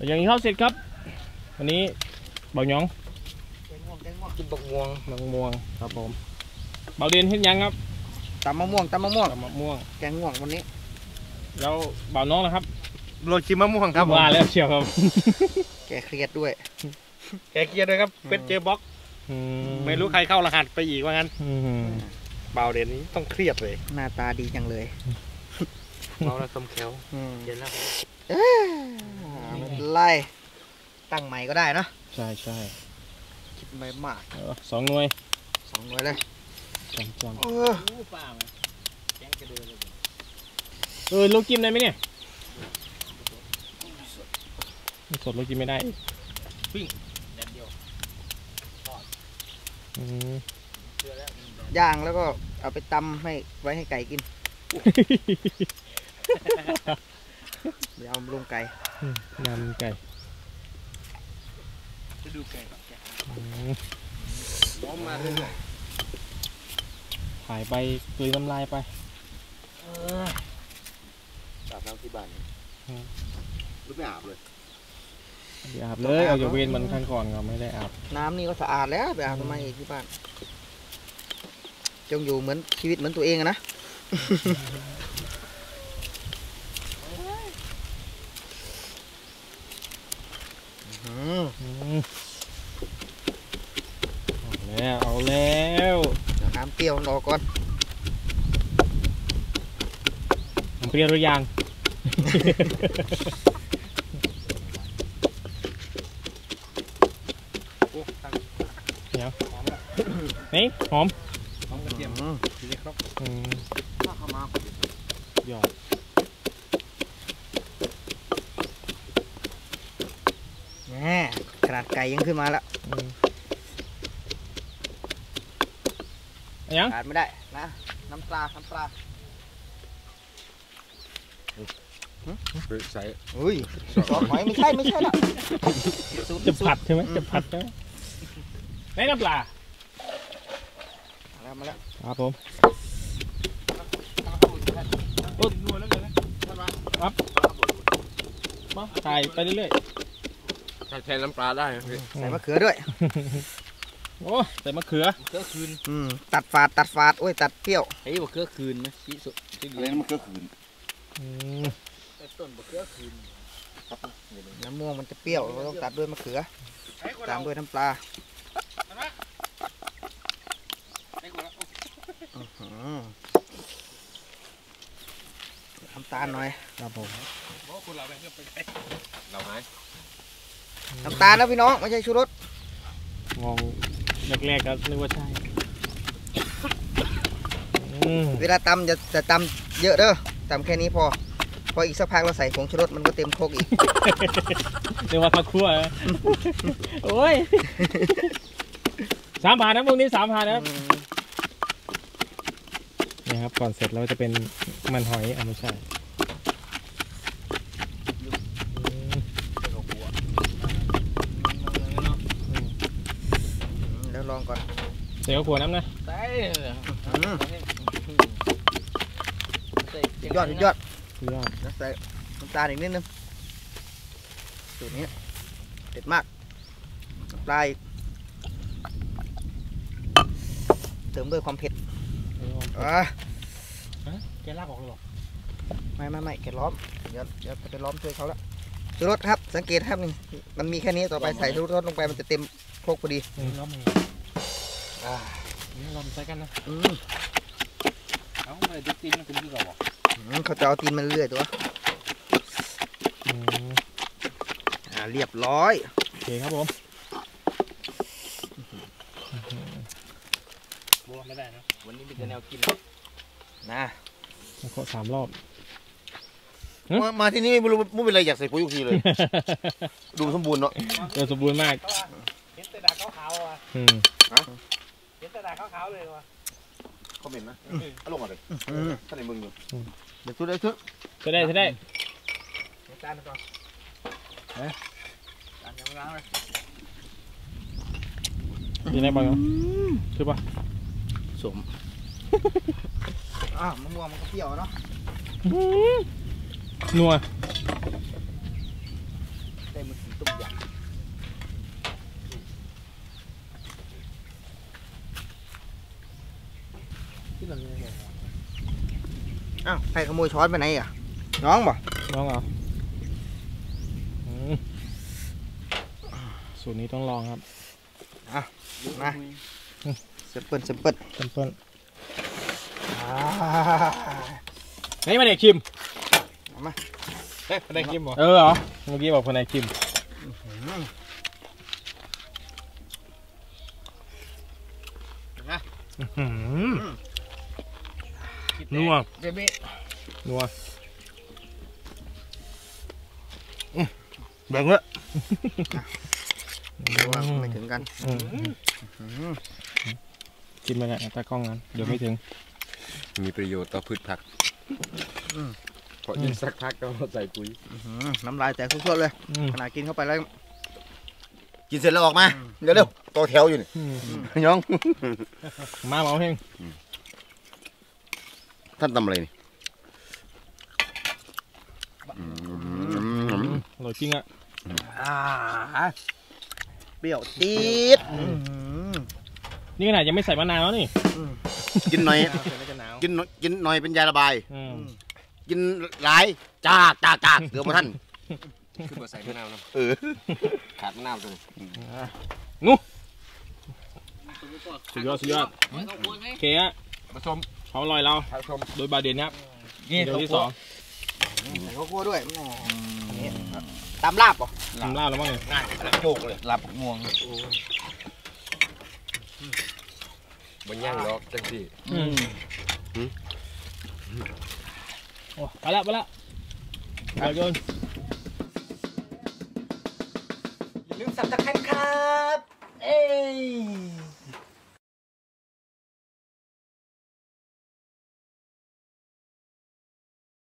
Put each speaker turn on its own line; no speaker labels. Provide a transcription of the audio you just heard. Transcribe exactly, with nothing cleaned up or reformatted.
อย่างนี้เข้าเสร็จครับวันนี้เบาหยอง
กินบักม่วง
บักม่วงครับผมเบาเด่นเห็นยังครับ
ตำมะม่วงตำมะม่วง
ตำมะม่วง
แกงม่วงวันนี้
แล้วเบาน้องนะครับ
โรยชิมมะม่วงครับ
ว่าแล้วเชียวครับ
แกเครียดด้วย
แกเครียดด้วยครับเป็นเจอบล็อกไม่รู้ใครเข้ารหัสไปอีกว่างั้นเบาเด่นนี้ต้องเครียดเลย
หน้าตาดีจังเลย
เบาแล้วสมแขวเย็นแล้ว
ไล่ตั้งใหม่ก็ได้นะ
ใช่ใช่
คิดไม่มาก
สองหน่วย
สองหน่วยเลย
จำจำเออเออลูกจิ้มได้ไหมเนี่ยสดลูกจิ้มไม่ได้
ปิ้งแดดเดียว
ย่างแล้วก็เอาไปตำให้ไว้ให้ไก่กินเดี๋ยวเอาลงไก่
นำไก่
จะดูไก่ก่อนล้อมมาเรื่อย
ๆถ่ายไปกลืนน้ำลายไป
อาบน้ำที่บ้านรู้ไม่อาบเลย
ไม่อาบเลยเอาจะเวนมันขั้นก่อนก็ไม่ได้อาบ
น้ำนี่ก็สะอาดแล้วไปอาบทำไมที่บ้านจงอยู่เหมือนชีวิตเหมือนตัวเองนะ
เอาแล้วเอาแล้ว
น้ำเปรี้ยวรอก่อน
น้ำเปรี้ยวหรือยังเดี๋ยวนี่หอม
หอมกระเทียมทีนี้ครับข้าวมา
หยอด
แหมขนาดไก่ยังขึ้นมาแล้ว
ยัง
ขาดไม่ได้นะน้ำปลาน้ำปลา
ใส่
อุ้ยซอสหอยไม่ใช่ไม่ใช่ละ
จะผัดใช่ไหมจะผัดใช่ไหมไหนน้ำปลา
มาแล้วมาแล้ว
ครับผมปุ๊บครับมาใส่ไปเรื่อย
ๆใส่น้ำปลาได้
ใส่มะเขือด้วย
โอ้ใส่มะเขือ
เขือคืน
ตัดฝาดตัดฝาดโอ้ยตัดเปรี้ยว
เฮ้ยมะเขือคืนนะชี้สุดอะไรมะเขือคืนต้นมะเขือคืน
น้ำม่วงมันจะเปรี้ยวเราต้องตัดด้วยมะเขือตามด้วยน้ำปลาน้ำตาลหน่อย
ครับผม
เราไหม
น้ำตาลนะพี่น้องไม่ใช่ชูรส
มองแรกๆก็นึกว่าใช่
เวลาตำจะจะตำเยอะเด้อตำแค่นี้พอพออีกสักพักเราใส่ผงชูรสมันก็เต็มโคกอีก
เรียกว่าทอดคั่วโอ้ยสามผ่านนะพวกนี้สามผ่านนะครับนี่ครับก่อนเสร็จเราจะเป็นมันหอยอ่ะไม่ใช่
แล้วลองก่อน
เดี๋ยวขวดน้ำนะ
ใส่
ยอดยอด
ยอด
ใส่น้ำตาลอีกนิดนึงสูตรนี้เด็ดมากปลายเติมด้วยความเผ็ดอ่ะ
แกลากออกเลยหรอ
ไม่ไม่ไม่แกล้อมเดี๋ยวเดี๋ยวจะไปล้อมช่วยเขาแล้วชูรสครับสังเกตครับนี่มันมีแค่นี้ต่อไปใส่ชูรสลงไปมันจะเต็มโคกพอดี
ล้อมเองอ่านี่ล้อมใส่กันนะ
อืม
เอาไปดูตีนมันเป็นที่เราบอก
เขาจะเอาตีนมันเรื่อยตัวอ่าเรียบร้อย
โอเคครับผม
บัวไม่ได้นะวันนี้มีแต่แนวกิน
นะ
ขอสามรอบ
มาที่นี่ไม่รู้ไม่เป็นไรอยากใส่ปุ๋ยทุกทีเลยดูสมบูรณ์เนาะ
ดูสมบูรณ์มาก
เห็นแต่ดาขาวๆอ่ะเห็นแต่ดาขาวๆเลยว่ะเขาเหม็นนะเอาลงมาเลยท่านในมึงอยู่เดี๋ยวทุได้ทุ
จะได้จะได้
จานก่อนเฮ้ยจานยังไม่ล้างเลย
ยังไงบ้างคือปะ
สม
อ่ามะม่วงมันก็เปรี้ยวเนาะ
นัว
ได้มือสีต้มยำที่เราเนี่ยอ้าวใครขโมยช้อนไปไหนอ่ะน้องบ่
น้องเหรอสูตรนี้ต้องลองครับ
อ่ะมาเซเปิลเซเปิล
เปิ้ลนี่มาเด็กคิม
มา
เฮ้ยคนไหนคิมเหรอเออเหรอเมื่อกี้บอกคนไหนคิมนัวนัวแบ่งเลย
ไม่ถึงกัน
กินไปเลยตากล้องนั้นเดี๋ยวไม่ถึง
มีประโยชน์ต่อพืชผักพอยิ่งสักพักก็ใส่ปุ๋ย
น้ำลายแตกทุกๆเลยขนาดกินเข้าไปแล้ว
กินเสร็จแล้วออกมาเดี๋ยวเร็วต่อแถวอยู่นี่น้อง
มาเอาเฮง
ท่านทำอะไรนี่
อร่อยจริงอ่ะ
เปรี้ยวจี๊ด
นี่ขนาดยังไม่ใส่มะนาวแล้วนี่
กินหน่อยกินกินหน่อยเป็นยาระบายกินหลายจ้าจ้าจ้าเดี๋ยวมาท่านคือมาใส่มะนาวนะเออขาดมะนาวเลย
งูสุดยอดสุดยอดโอเคฮะ
ผสม
เขาอร่อยเราโดยบาเดนครับนี่เดี๋ยวที่สอง
ใส่ข้าวคั่วด้วยตามลาบป่ะ
ตามลาบแล้วมั้งเนี่ย
ง่ายโจกเลย
ลาบม่วง
มันย่างหรอกจังสิ
โอ้ไปละไปละไปโยน
อย่าลืมสับตะไคร้ครับเอ้ย